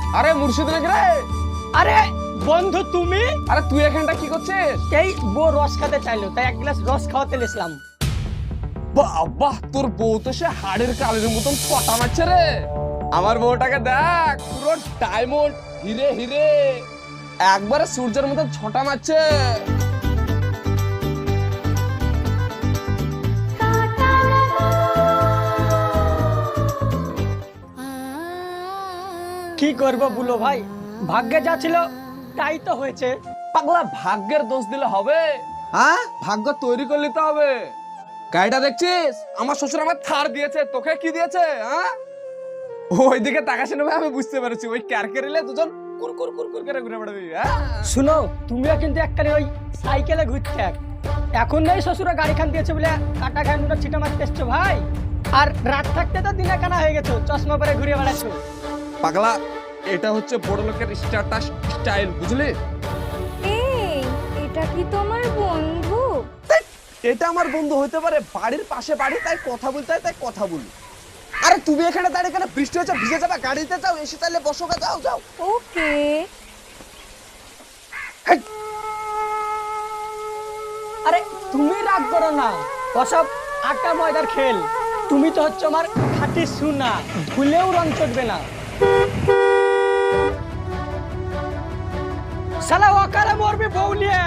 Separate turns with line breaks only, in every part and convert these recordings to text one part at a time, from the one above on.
আরে মুর্শিদ নাকি রে?
আরে বন্ধু তুমি?
আরে তুই এখানটা কি করছিস?
এই বউ রস খেতে চাইলো তাই এক গ্লাস রস খাওয়াতে এসলাম।
বাহ, তোর বউ তো সে হাড়ের কালের মতন পটা মারছে রে। আমার বউটাকে দেখ, পুরো ডায়মন্ড, হিরে হিরে, একবারে সূর্যের মতন ছটা মারছে।
কি করবো বলো ভাই, ভাগ্যে যা ছিল তাই তো হয়েছে।
পাগলা, ভাগ্যের দোষ দিলে হবে? হ্যাঁ, ভাগ্য তৈরি করে নিতে হবে। গাড়িটা দেখছিস? আমার শ্বশুর আমার থার দিয়েছে, তোকে কি দিয়েছে? হ্যাঁ, ওইদিকে তাকাসি না ভাই, আমি বুঝতে পেরেছি। ওই ক্যারকেরিলে দুজন কুর কুর কুর কুর করে ঘুরে বেড়াবি। হ্যাঁ,
শুনো, তুমিও কিন্তু একখানে ওই সাইকেলে ঘুরতে এখন নেই, শ্বশুরা গাড়ি খান দিয়েছে বলে কাটা খান ছিটা মারতে এসছো ভাই। আর রাত থাকতে তো দিনে কানা হয়ে গেছো, চশমা পরে ঘুরে বেড়াচ্ছো।
পাগলা, এটা হচ্ছে বড় লোকের স্ট্যাটাস স্টাইল, বুঝলি?
এই, এটা কি তোমার বন্ধু?
এটা আমার বন্ধু হতে পারে, বাড়ির পাশে বাড়ি, তাই কথা বলতে হয়, তাই কথা বলি। আরে তুমি এখানে দাঁড়িয়ে, এখানে বৃষ্টি হচ্ছে, ভিজে যাবে, গাড়িতে যাও, এসে তাহলে বসো, যাও যাও।
ওকে।
আরে তুমি রাগ করো না, ওসব আটা ময়দার খেল। তুমি তো হচ্ছে আমার খাঁটি সোনা, ধুলেও রং চটবে না। শালা ওকালে মরবি বউ নিয়ে।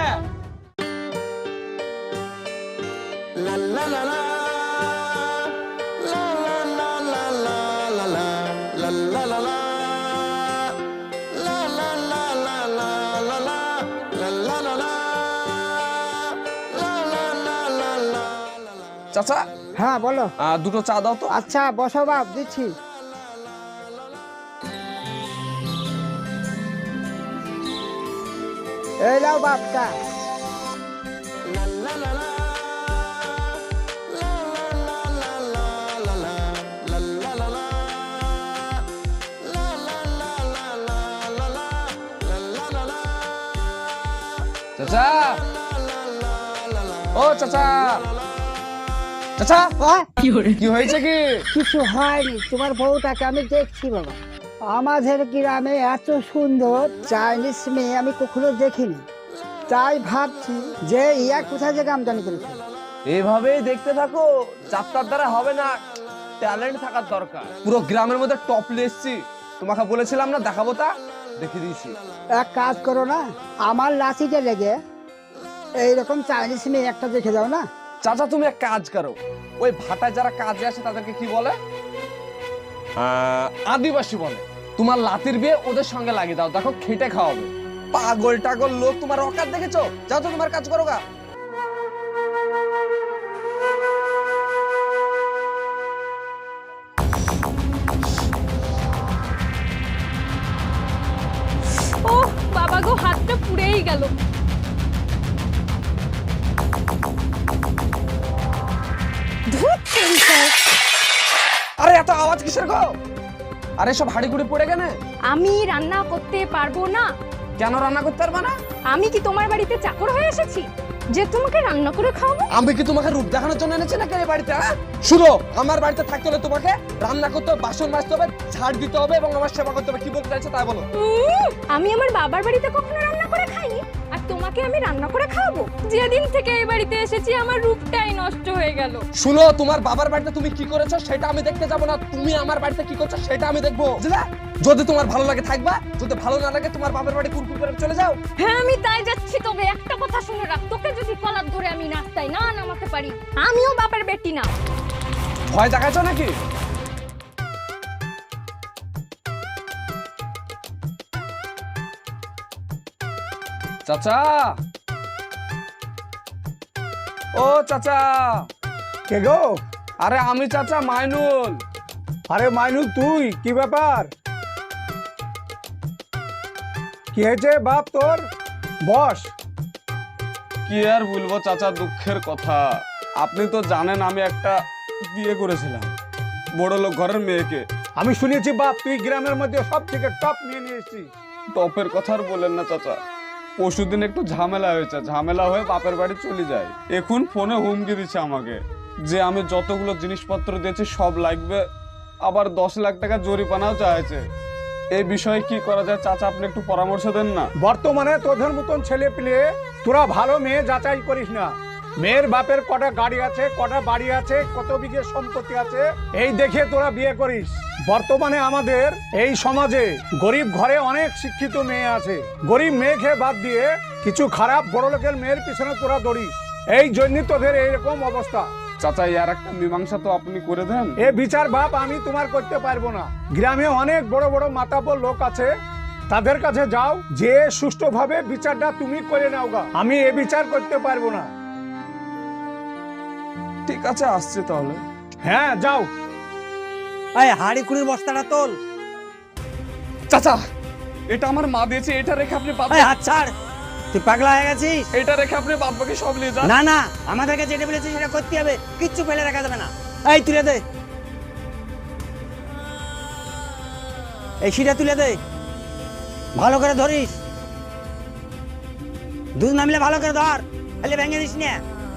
চাচা,
হ্যাঁ বলো।
দুটো চা দাও তো।
আচ্ছা বসো বাপ, দিচ্ছি। এই যাও বাপ চা।
চাচা, ও চাচা, চাচা, কি হয়েছে? কি
কিছু হয়নি, তোমার বউটাকে আমি দেখছি বাবা। আমাদের গ্রামে এত সুন্দর চাইনিজ মেয়ে আমি কখনো দেখিনি, তাই ভাবছি যে ইয়া কোথায় থেকে আমদানি করেছে।
এভাবেই দেখতে থাকো, যাত্রার দ্বারা হবে না, ট্যালেন্ট থাকার দরকার। পুরো গ্রামের মধ্যে টপ এসছি, তোমাকে বলেছিলাম না দেখাবো, তা দেখিয়ে দিয়েছি।
এক কাজ করো না, আমার লাসিতে লেগে এইরকম চাইনিজ মেয়ে একটা দেখে দাও না।
চাচা, তুমি এক কাজ করো, ওই ভাটায় যারা কাজে আসে তাদেরকে কি বলে? আদিবাসী বলে। তোমার লাতির বিয়ে ওদের সঙ্গে লাগিয়ে দাও, দেখো খেটে খাওয়াবে। পাগল টাগল লোক, তোমার অকাত দেখেছো? যাও তো, তোমার কাজ করো গা।
ও বাবা গো, হাতটা পুড়েই গেল।
আরে এত আওয়াজ কিসের গো? আরে সব হাড়ি গুড়ি পড়ে গেলে।
আমি রান্না করতে পারবো না।
কেন রান্না করতে পারবে না?
আমি কি তোমার বাড়িতে চাকর হয়ে এসেছি যে তোমাকে রান্না করে খাওয়াবো?
আমি কি তোমাকে রূপ দেখানোর জন্য এনেছি নাকি এই বাড়িতে? শুনো, আমার বাড়িতে থাকতে হলে তোমাকে রান্না করতে হবে, বাসন মাজতে হবে, ঝাড় দিতে হবে এবং আমার সেবা করতে হবে। কি বলতে চাইছো তাই বলো।
আমি আমার বাবার বাড়িতে কখনো রান্না করে খাইনি, আর তোমাকে আমি রান্না করে খাওয়াবো? যেদিন থেকে এই বাড়িতে এসেছি আমার রূপটাই নষ্ট হয়ে গেল।
শুনো, তোমার বাবার বাড়িতে তুমি কি করেছো সেটা আমি দেখতে যাবো না, তুমি আমার বাড়িতে কি করছো সেটা আমি দেখবো, বুঝলে? যদি তোমার ভালো লাগে থাকবা, যদি ভালো না লাগে তোমার বাবার বাড়ি কুরকুর করে চলে যাও।
হ্যাঁ আমি তাই যাচ্ছি, তবে একটা কথা শুনে রাখ, তোকে যদি কলার ধরে আমি নাচতাই না নামাতে পারি, আমিও বাপের বেটি না।
ভয় দেখাচ্ছ নাকি? চাচা, ও চাচা।
কে গো?
আরে আমি চাচা, মাইনুল।
আরে মাইনুল, তুই? কি ব্যাপার? কি হয়েছে বাপ তোর? বস।
কি আর বলবো চাচা, দুঃখের কথা। আপনি তো জানেন আমি একটা বিয়ে করেছিলাম বড় লোক ঘরের মেয়েকে।
আমি শুনেছি বাপ তুই গ্রামের মধ্যে সব থেকে টপ নিয়ে এসেছিস।
টপের কথা আর বলেন না চাচা, পরশুদিন একটু ঝামেলা হয়েছে, ঝামেলা হয়ে বাপের বাড়ি চলে যায়। এখন ফোনে হুমকি দিচ্ছে আমাকে যে আমি যতগুলো জিনিসপত্র দিয়েছি সব লাগবে, আবার 10 লাখ টাকা জরিমানাও চাইছে। এই বিষয়ে কি করা যায় চাচা, আপনি একটু পরামর্শ দেন না।
বর্তমানে তোদের মতন ছেলে পেলে তোরা ভালো মেয়ে যাচাই করিস না। মেয়ের বাপের কটা গাড়ি আছে, কটা বাড়ি আছে, কত বিঘে সম্পত্তি আছে, এই দেখে তোরা বিয়ে করিস। বর্তমানে আমাদের এই সমাজে গরিব ঘরে অনেক শিক্ষিত মেয়ে আছে, গরিব মেয়েকে বাদ দিয়ে কিছু খারাপ বড় লোকের মেয়ের পিছনে তোরা দৌড়িস, এই জন্য তোদের এইরকম অবস্থা।
চাচা এর একটা মীমাংসা তো আপনি করে দেন।
এ বিচার বাপ আমি তোমার করতে পারবো না। গ্রামে অনেক বড় বড় মাতাব্বর লোক আছে, তাদের কাছে যাও, যে সুষ্ঠুভাবে বিচারটা তুমি করে নাও গা। আমি এ বিচার করতে পারবো না।
ঠিক আছে, আসছে তাহলে।
হ্যাঁ যাও।
এই হাড়ি কুড়ির বস্তাটা তোল।
চাচা এটা আমার মা দিয়েছে, এটা রেখে আপনি
এই হাত ছাড়, তুই পাগলা হয়ে গেছিস?
এটা রেখে আপনি বাদ বাকি সব নিয়ে যান।
না না, আমাদেরকে যেটা বলেছিস সেটা করতে হবে, কিচ্ছু ফেলে রাখা যাবে না। এই তুলে দে, এই শিটা তুলে দে, ভালো করে ধরিস, দুধ নামলে ভালো করে ধর, তাহলে ভেঙে দিস না।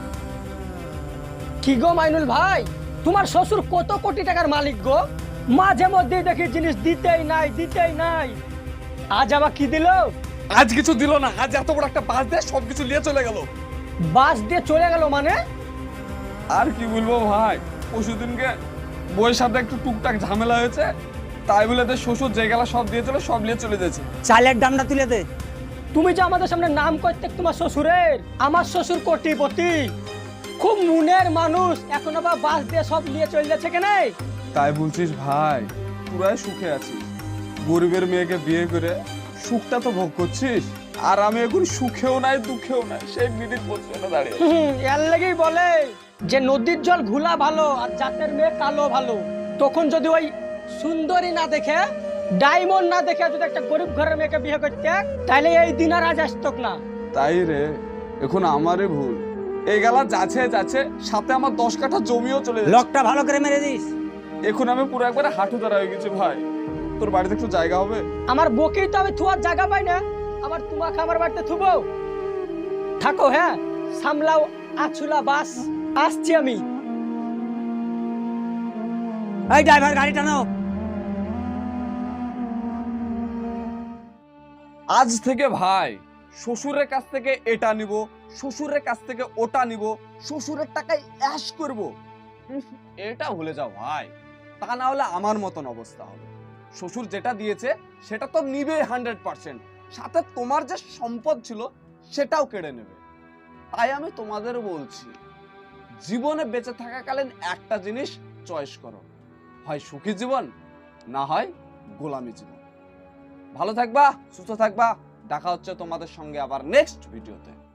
কি গো মাইনুল ভাই, তোমার শ্বশুর কত কোটি টাকার মালিক গো, মাঝে মধ্যেই দেখি জিনিস দিতেই নাই। আজ আবার কি দিল?
আজ কিছু দিল না, আজ এত বড় একটা বাস দিয়ে সবকিছু নিয়ে চলে গেল।
বাস দিয়ে চলে গেল মানে?
আর কি বলবো ভাই, পরশুদিনকে বইয়ের সাথে একটু টুকটাক ঝামেলা হয়েছে, তাই বলে তো শ্বশুর যে গেলা সব দিয়েছিল সব নিয়ে চলে যাচ্ছে।
চালের দামটা তুলে দে।
তুমি যে আমাদের সামনে নাম করতে তোমার শ্বশুরের, আমার শ্বশুর কোটিপতি, খুব মনের মানুষ, এখন আবার বাস দিয়ে সব নিয়ে চলে যাচ্ছে কেন?
তাই বলছিস ভাই, পুরাই সুখে আছিস, গরিবের মেয়েকে বিয়ে করে সুখটা তো ভোগ করছিস, আর আমি এখন সুখেও নাই দুঃখেও নাই, সেই মিডিল পজিশনে দাঁড়িয়ে।
এর লেগেই বলে যে নদীর জল ঘোলা ভালো আর জাতের মেয়ে কালো ভালো। তখন যদি ওই সুন্দরী না দেখে, ডায়মন্ড না দেখে যদি একটা গরিব ঘরের মেয়েকে বিয়ে করতে, তাহলে এই দিন আর আজ আসতক না।
তাই রে, এখন আমারই ভুল, এই গেলা যাচ্ছে সাথে আমার 10 কাঠা জমিও চলে যাচ্ছে।
লকটা ভালো করে মেরে দিস।
এখন আমি পুরো একবারে হাঁটু ধরা হয়ে গেছি ভাই, তোর বাড়িতে একটু জায়গা হবে?
আমার বকেই তো আমি থুয়ার জায়গা পাই না, আবার তোমাকে আমার বাড়িতে থুবো? থাকো, হ্যাঁ সামলাও আছুলা বাস, আসছি আমি।
এই ড্রাইভার গাড়ি টানো।
আজ থেকে ভাই শ্বশুরের কাছ থেকে এটা নিব, শ্বশুরের কাছ থেকে ওটা নিব, শ্বশুরের টাকায় অ্যাশ করব, এটা ভুলে যাও ভাই, তা না হলে আমার মতন অবস্থা হবে। শ্বশুর যেটা দিয়েছে সেটা তো নিবে 100%, সাথে তোমার যে সম্পদ ছিল সেটাও কেড়ে নেবে। তাই আমি তোমাদের বলছি, জীবনে বেঁচে থাকাকালীন একটা জিনিস চয়েস করো, হয় সুখী জীবন, না হয় গোলামি জীবন। ভালো থাকবা, সুস্থ থাকবা, দেখা হচ্ছে তোমাদের সঙ্গে আবার নেক্সট ভিডিওতে।